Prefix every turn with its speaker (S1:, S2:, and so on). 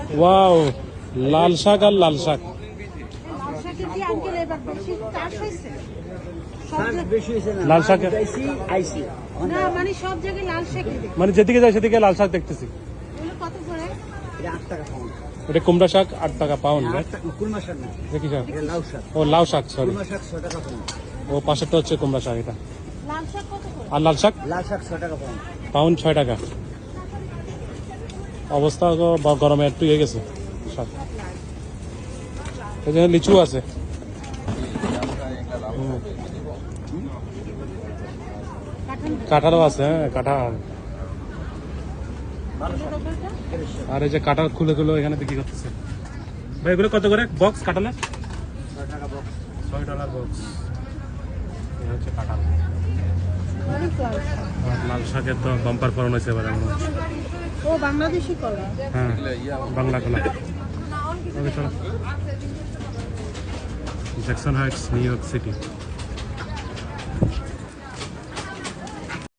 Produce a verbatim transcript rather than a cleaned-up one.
S1: Wow, লাল শাক আর লাল শাক। লাল শাক মানে যেদিকে যায় সেদিকে লাল শাক দেখতেছি। এটা কুমড়া শাক আট টাকা পাউন্ড। ও লাউ শাক, সরি। ও পাশেরটা হচ্ছে কুমড়া শাক। এটা আর লাল শাক
S2: লাল শাক ছয় টাকা পাউন্ড।
S1: পাউন্ড ছয় টাকা। অবস্থা গরমে একটু ইয়ে গেছে শাক। এখানে লিচু আছে। কাঁঠালও আছে। হ্যাঁ, কাঁঠাল। আর এই যে কাঁঠাল খুলে খুলে এখানে বিক্রি করতেছে। ভাই এগুলো কত করে বক্স কাঁঠালের? ছয় ডলার বক্স। এই হচ্ছে কাঁঠাল। লাল শাকের তো বাম্পার ফলন হয়েছে এবার।
S3: ও বাংলাদেশি কলা।
S1: হ্যাঁ, বাংলা কলা। Jackson Heights, New York city.